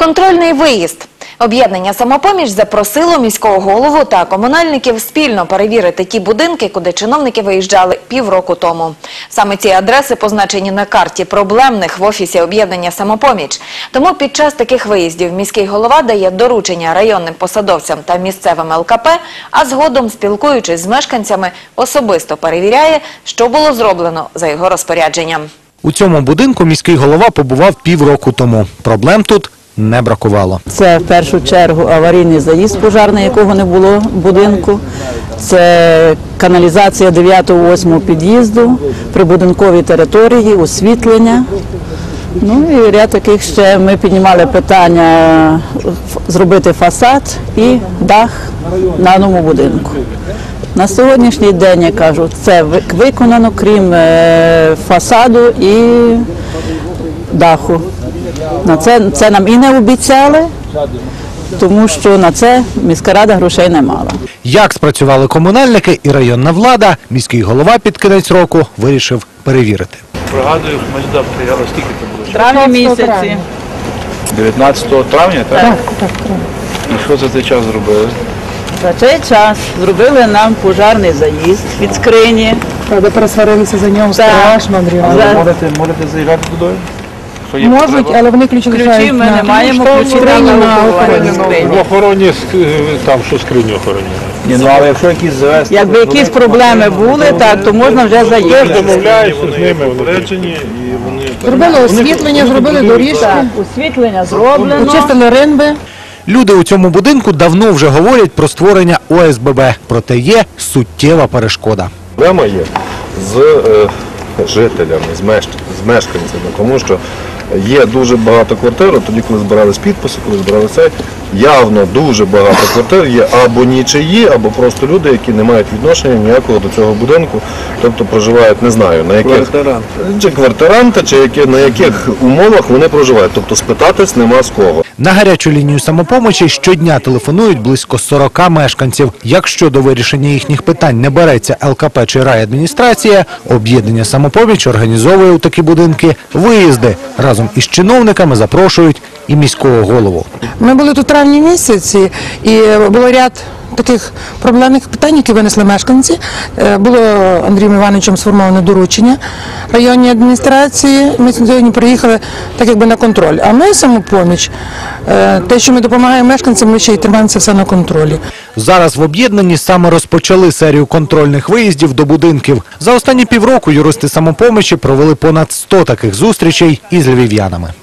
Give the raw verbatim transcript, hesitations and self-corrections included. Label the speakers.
Speaker 1: Контрольний виїзд. Об'єднання «Самопоміч» запросило міського голову та комунальників спільно перевірити ті будинки, куди чиновники виїжджали півроку тому. Саме ці адреси позначені на карті проблемних в офісі об'єднання «Самопоміч». Тому під час таких виїздів міський голова дає доручення районним посадовцям та місцевим ел ка пе, а згодом, спілкуючись з мешканцями, особисто перевіряє, що було зроблено за його розпорядженням.
Speaker 2: У цьому будинку міський голова побував півроку тому. Проблем тут не бракувало.
Speaker 3: Це в першу чергу аварійний заїзд пожарний, якого не було в будинку. Це каналізація дев'ятого-восьмого під'їзду, прибудинковій території, освітлення. Ну і ряд таких ще ми піднімали питання зробити фасад і дах на новому будинку. На сьогоднішній день, я кажу, це виконано, крім фасаду і даху. На це, це нам і не обіцяли, тому що на це міська рада грошей не мала.
Speaker 2: Як спрацювали комунальники і районна влада, міський голова під кінець року вирішив перевірити.
Speaker 4: Пригадую, ми сюди приїхали, скільки це було?
Speaker 3: В травні місяці.
Speaker 4: дев'ятнадцятого травня, так?
Speaker 3: Так, так, так.
Speaker 4: І що за цей час зробили?
Speaker 3: За цей час зробили нам пожарний заїзд від скрині.
Speaker 5: Правда, пересварилися за нього страшно, Андрій.
Speaker 4: Але
Speaker 3: За-
Speaker 4: можете, можете заїжджати туди? Що є
Speaker 5: Можуть,
Speaker 4: потреба?
Speaker 5: але вони ключі
Speaker 3: Ключі
Speaker 5: лишають
Speaker 3: ми
Speaker 5: на
Speaker 3: не маємо, ключі
Speaker 5: скрині,
Speaker 3: на
Speaker 5: на
Speaker 3: охороні
Speaker 5: охороні.
Speaker 3: скрині.
Speaker 6: В охороні, ск- там, що скриню охороняють.
Speaker 4: Ні, ну але якщо якісь завести...
Speaker 3: Якби якісь проблеми були, так, то можна вже
Speaker 6: Теж
Speaker 3: заїхати.
Speaker 6: домовляються з ними, попереджені, і вони...
Speaker 5: Зробили освітлення, зробили доріжки,
Speaker 3: Так, освітлення зроблено.
Speaker 5: почистили ринби.
Speaker 2: Люди у цьому будинку давно вже говорять про створення о ес бе бе, проте є суттєва перешкода.
Speaker 7: Проблема є з е, жителями, з, меш... з мешканцями, тому що є дуже багато квартир, от тоді, коли збирались підписи, коли збирали це, явно дуже багато квартир є або нічиї, або просто люди, які не мають відношення ніякого до цього будинку, тобто проживають, не знаю, на яких...
Speaker 4: Квартиранти.
Speaker 7: Чи квартиранти, чи які, на яких умовах вони проживають, тобто спитатись нема з кого.
Speaker 2: На гарячу лінію «Самопомочі» щодня телефонують близько сорока мешканців. Якщо до вирішення їхніх питань не береться ел ка пе чи райадміністрація, об'єднання «Самопоміч» організовує у такі будинки виїзди. Разом із чиновниками запрошують і міського голову.
Speaker 5: Ми були тут в травні місяці, і було ряд таких проблемних питань, які винесли мешканці. Е, Було Андрієм Івановичем сформоване доручення районній адміністрації. Ми сьогодні приїхали так якби на контроль. А ми, «Самопоміч», е, те, що ми допомагаємо мешканцям, ми ще й тримаємо це все на контролі.
Speaker 2: Зараз в об'єднанні саме розпочали серію контрольних виїздів до будинків. За останні півроку юристи «Самопомочі» провели понад сто таких зустрічей із львів'янами.